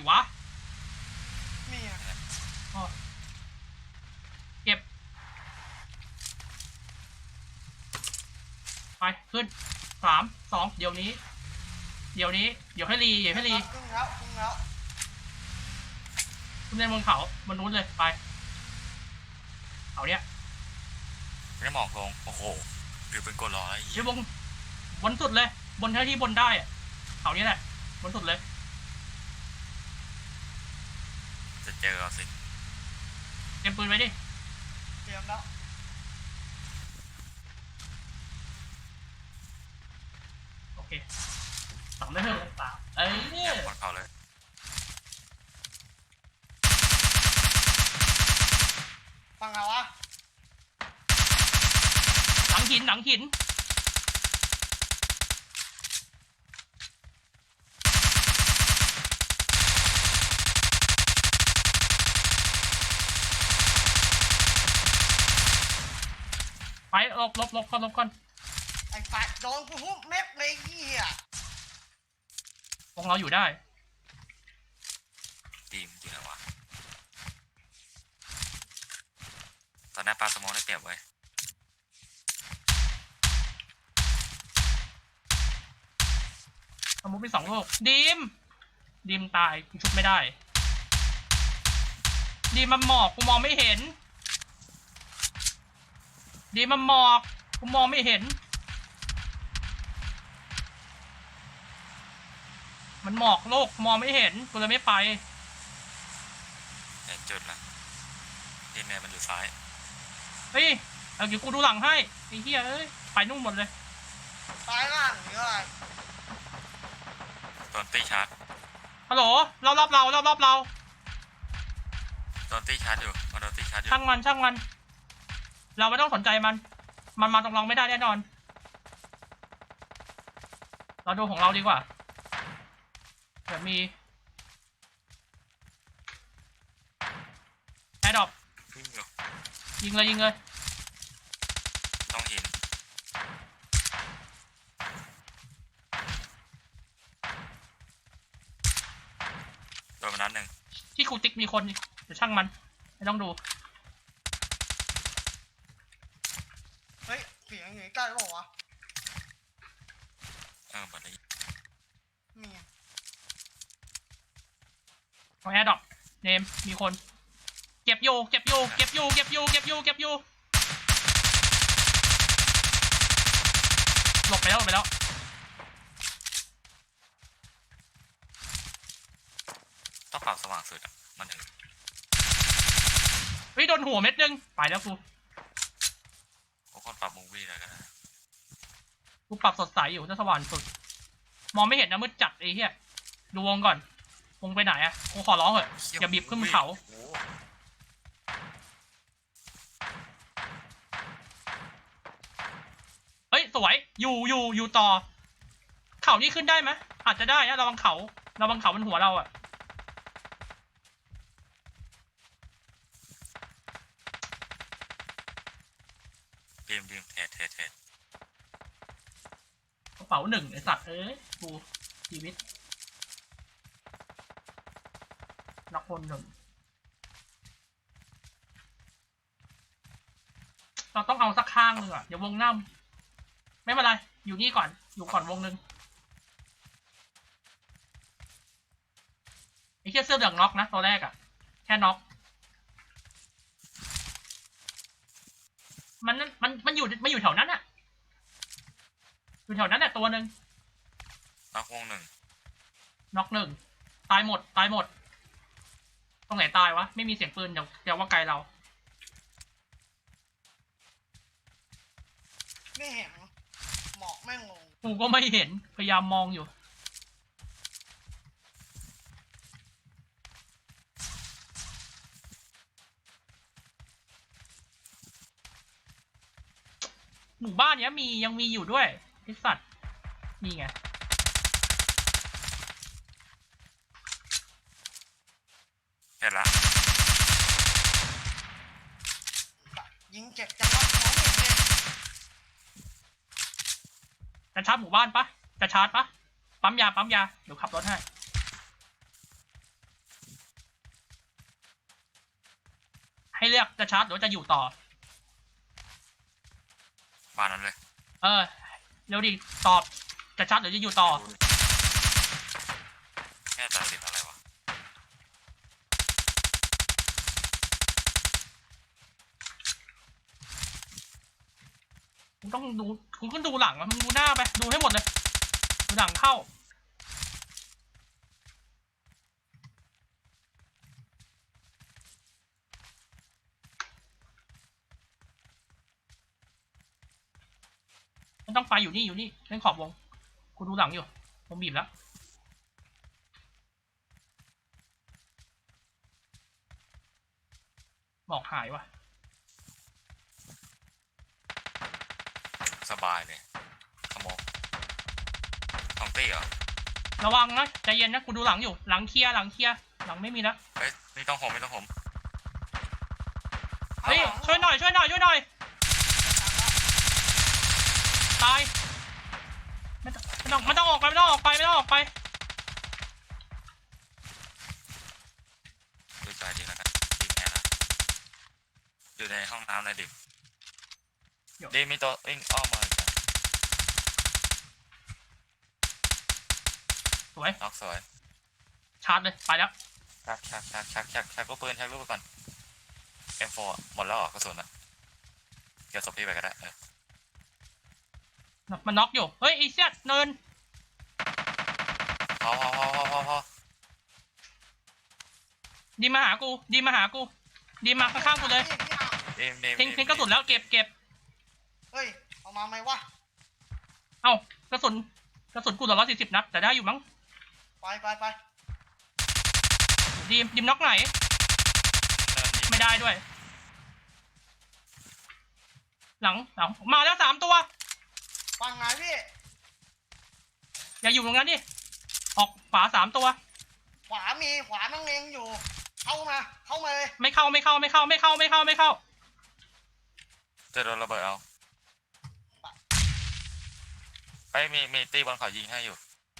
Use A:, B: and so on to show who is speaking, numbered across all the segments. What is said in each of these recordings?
A: วะ
B: มีอ่ะ
A: เก็บไปขึ้น3 2เดี๋ยวนี้เดี๋ยวให้รี
B: ครึ่งแล้วขึ้
A: นเล่นบนเขาบนนู้นเลยไปเขาเนี้ย
C: ไม่ได้มองลงโอ้โหหรือเป็นกดรออะไร
A: เดี๋ยวบนสุดเลยบนเท่าที่บนได้อะเขานี้แหละบนสุดเลย
C: จะเจอเราสิ
A: เตรียมปืนไว้ดิ
B: เตรียมแล้ว
A: โอเคสั่งได้เถอะต่างเอ้ย
C: บนเขาเลย
B: ฟังเอาวะ
A: หลังหินไปลบก่อน
B: ไอ้ปากโดนกูหุ้มเม็ดเลยเหี้ย
A: พวกเราอยู่ได้
C: ทีมจริงแล้ววะตอนนั้นปลาสมองได้เปรียบไว้
A: สมมติมี2 โลกดีมตายชุบไม่ได้ดีมันหมอกกูมองไม่เห็นดีมันหมอกกูมองไม่เห็นมันหมอกโลกมองไม่เห็นกูเลยไม่ไป
C: เห็นจุดละทีมเนี่ยมันอยู่ซ้าย
A: เฮ้ยเอาเดี๋ยวกูดูหลังให้ไอ้เหี้ยเอ้ยไปนู่นหมดเลย
B: ซ้ายล่างหรืออะไร
C: ตอนตีชาร์จ
A: ฮัลโหลรอบเรา
C: ตอนตีชาร์จอยู่ตอนตีชาร์จอยู่
A: ช่างมันเราไม่ต้องสนใจมันมาตรงเราไม่ได้แน่นอนเราดูของเราดีกว่าเดี๋ยวมีแอร์ดรอปยิงเลย
C: ต้องหินโดนมานัดหนึ่ง
A: ที่คูติ๊กมีคนเดี๋ยวช่างมันไม่ต้องดู
B: เฮ้ยเสียงอยู่ใกล้หรอวะ
C: หมดเลย
B: มี
A: ของแอร์ดรอปเนมมีคนเก็บอยู่หลบไปแล้ว
C: ต้องปรับสว่างสุดอ่ะมันถึง
A: เฮ้ยโดนหัวเม็ดนึงไปแล้ว
C: พวกคนปรับมูวี่เลยกันนะ
A: กูปรับสดใสอยู่จะสว่างสุดมองไม่เห็นนะมืดจัดไอ้เหี้ยดูวงก่อนวงไปไหนอะกูขอร้องเถอะอย่าบีบขึ้นเขาเฮ้ยสวยอยู่ต่อเขานี่ขึ้นได้ไหมอาจจะได้นะระวังเขาบนหัวเราอะ
C: ดีมเทรด
A: กระเป๋า1ไอสัตว์เอ้ยกูชีวิตนักพล1เราต้องเอาสักข้างนึงอ่ะอย่าวงน้ำไม่เป็นไรอยู่นี่ก่อนวงนึงไอ้เสื้อเหลืองน็อกนะตัวแรกอ่ะแค่น็อกมันอยู่แถวนั้นอ่ะอยู่แถวนั้นแหละตัวนึง
C: น็อกวง
A: น็อก1ตายหมดตรงไหนตายวะไม่มีเสียงปืนเดี๋ยวว่าไกลเรา
B: ไม่เห็นหมอกแม่งงง
A: กูก็ไม่เห็นพยายามมองอยู่หมู่บ้านเนี้ยยังมีอยู่ด้วยไอ้สัตว์นี่ไง
C: เห็นละ
B: ยิงเจ็บจังวะของอย่างเงี้ย
A: จะชาร์จหมู่บ้านปะจะชาร์จปะปั๊มยาเดี๋ยวขับรถให้ให้เลือกจะชาร์จหรือจะอยู่ต่อ
C: บ้านนั้นเลย
A: เร็วดิตอบจะชาร์จหรือจะอยู่ต่อ
C: แค่ตัดสินอะไรวะ
A: มึงต้องดูมึงก็ดูหลังมึงดูหน้าไปดูให้หมดเลยดูหลังเข้าไม่ต้องไปอยู่นี่เล่นขอบวงกูดูหลังอยู่ผมบีบแล้วหมอกหายว่ะ
C: สบายเลยขโมยของตี้เหรอ
A: ระวังนะใจเย็นนะกูดูหลังอยู่หลังเคลียร์หลังไม่มีแล้ว
C: เฮ้ยไม่ต้องผม
A: เฮ้ยช่วยหน่อยตายไม่ต้องออกไป
C: ดูใจดีแล้วกันดีแค่ละอยู่ในห้องน้ำเลยดิดีมีตัววิ่งอ้อมมาอีกแล้ว
A: สวย
C: น็อกสวย
A: ชาร์จเลยไปแล้ว
C: ชักลูกปืนไปก่อน M4 หมดแล้วเหรอกระสุนอ่ะเดี๋ยวศพพี่ไปก็ได้
A: มันน็อกอยู่เฮ้ยอีเซียดเนิน
C: พอ
A: ดีมาหากูดีมาข้างๆกูเลยทิ้งกระสุนแล้วเก็บ
B: เฮ้ยเอามาไหมวะ
A: เอ้ากระสุนกู140 นัดแต่ได้อยู่มั้ง
B: ไป
A: ดีมน็อกไหนไม่ได้ด้วยหลังมาแล้ว3 ตัว
B: ฟังไงพี่
A: อย่าอยู่ตรงนั้นดิออกขวา3 ตัว
B: ขวานั่งเลงอยู่เข้ามาเลย
A: ไม่เข้า
C: จะโดนระเบิดเอาไปมีตีบอลเขายิงให้อยู่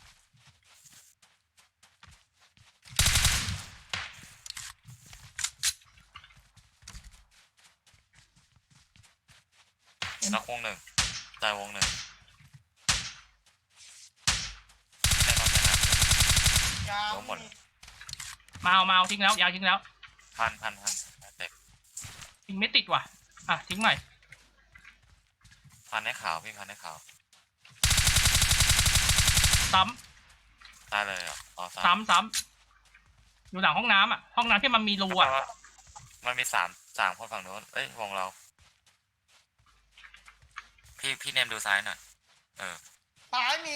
C: น็อกวง 1ตายวง 1แน่นอน
B: ยาว
C: ล้มหมด
A: มาเอาทิ้งแล้วยาทิ้งแล้ว
C: พันเต็ม
A: ทิ้งไม่ติดว่ะทิ้งใหม่
C: พันให้ขาวพี่พันให้ขาว
A: ซ้
C: ตายเลยเหรออ๋อ
A: ำอยู่หลังห้องน้ำห้องน้ำที่มันมีรู
C: มันมีสามคนฝั่งโน้นเอ้ยวงเราพี่เนมดูซ้ายหน่อย
B: ซ้ายมี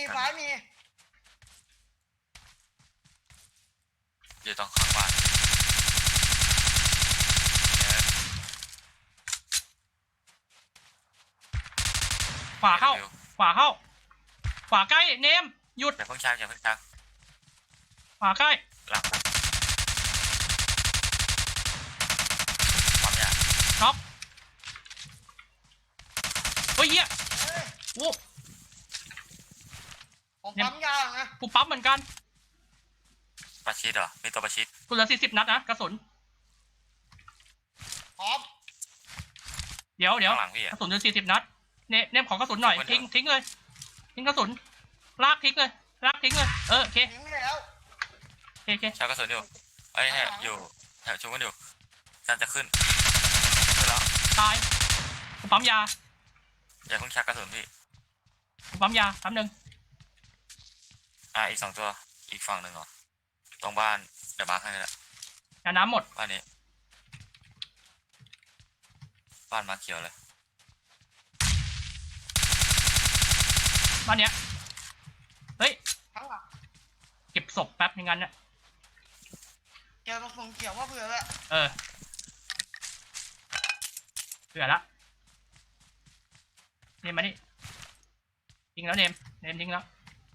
C: อยู่ตรงข้างบ้าน
A: ขวาเข้าขวาใกล้เนมหยุด
C: อย่าเพิ่งชัก
A: ขวาใกล้
C: หลังความยาก
A: น็อกเฮ้ยเหี้ย
B: เฮ้ย
A: โอ้
B: ผมปั๊มยาวนะ
A: กูปั๊บเหมือนกัน
C: ประชิดเหรอมีตัวประชิด
A: กูเหลือ40 นัดนะกระสุน
B: พร้อม
A: เดี๋ยว
C: ข้างหลังพี่
A: กระสุนเหลือ40 นัดเนมขอกระสุนหน่อยทิ้งเลยทิ้งกระสุนลากทิ้งเลยโอเค
B: ทิ้งแล้ว
A: โอเค
C: ชักกระสุนอยู่เอ้ยอยู่แถวชุบกันอยู่การจะขึ้นแล้ว
A: ตายกูปั๊มยา
C: อย่าเพิ่งชักกระสุนพี่
A: กูปั๊มยาแป๊บนึง
C: อีก2 ตัวอีกฝั่งหนึ่งเหรอตรงบ้านเดี๋ยวมาร์คให้ละ
A: ยาน้ำหมด
C: บ้านนี้บ้านมาเขียวเลย
A: บ้านเนี้ยเฮ้ย
B: ทั้งหลัง
A: เก็บศพแป๊บอย่างนั้นเนี่ย
B: เกี่ยวกับส่งเกี่ยวว่าเผื่อละ
A: เผื่อละเนมมานี่ทิ้งแล้วเนมทิ้งแล้ว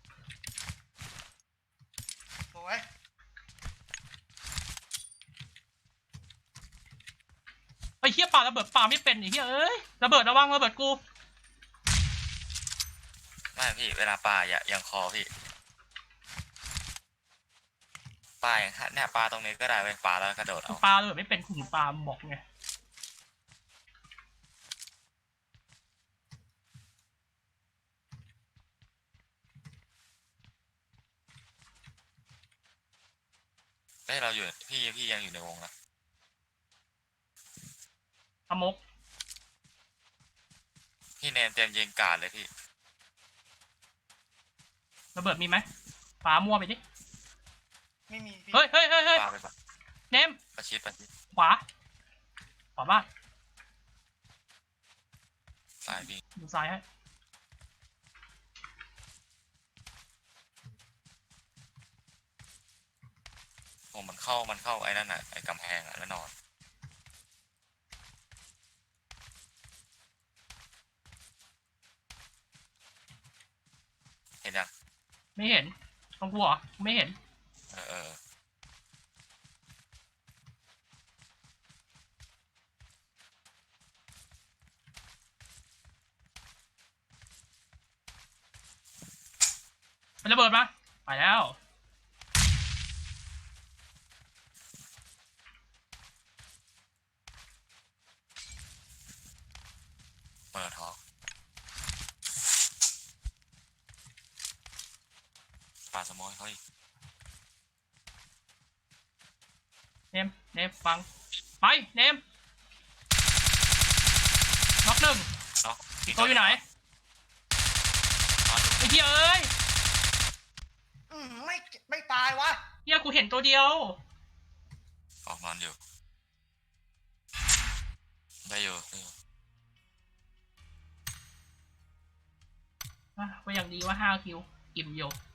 B: สวย
A: ไอ้เหี้ยป่าระเบิดป่าไม่เป็นไอ้เหี้ยเอ้ยระเบิดระวังระเบิดกู
C: ไม่พี่เวลาปลาอย่างคอพี่ปลาอย่างเนี่ยปลาตรงนี้ก็ได้ไปปลาแล้วกระโดดเอา
A: ปลาระเบิดไม่เป็นคุณปลาบอกไง
C: เฮ้ยเราอยู่พี่ยังอยู่ในวงนะ
A: อมก
C: พี่เนมเตรียมยิงการ์ดเลยพี่
A: ระเบิดมีไหมปามั่วไปดิ
B: ไม่มีพี่
A: เฮ้ย
C: ปาไปปะ
A: เนม
C: ประชิด
A: ขวาบ้าน
C: สายพี่
A: ดูซ้ายให้
C: ผมมันเข้าไอ้นั่นน่ะไอ้กำแพงอ่ะแล้วนอนเห็นยัง
A: ไม่เห็นตรงกูเหรอไม่เห็น
C: เออ
A: มันระเบิดมาไปแล้ว
C: เปิดท้องปาสมอยเขาอีก
A: เนมฟังไปเนมน็อกหนึ่ง
C: เนาะ
A: ตัวอยู่ไหน
C: นอนอยู่
A: ไอ้เหี้ยเอ้ย
B: ไม่ตายวะ
A: เหี้ยกูเห็นตัวเดียว
C: ออกนอนอยู่ได้อยู่
A: ก็ยังดีว่า5 คิวอิ่มอยู่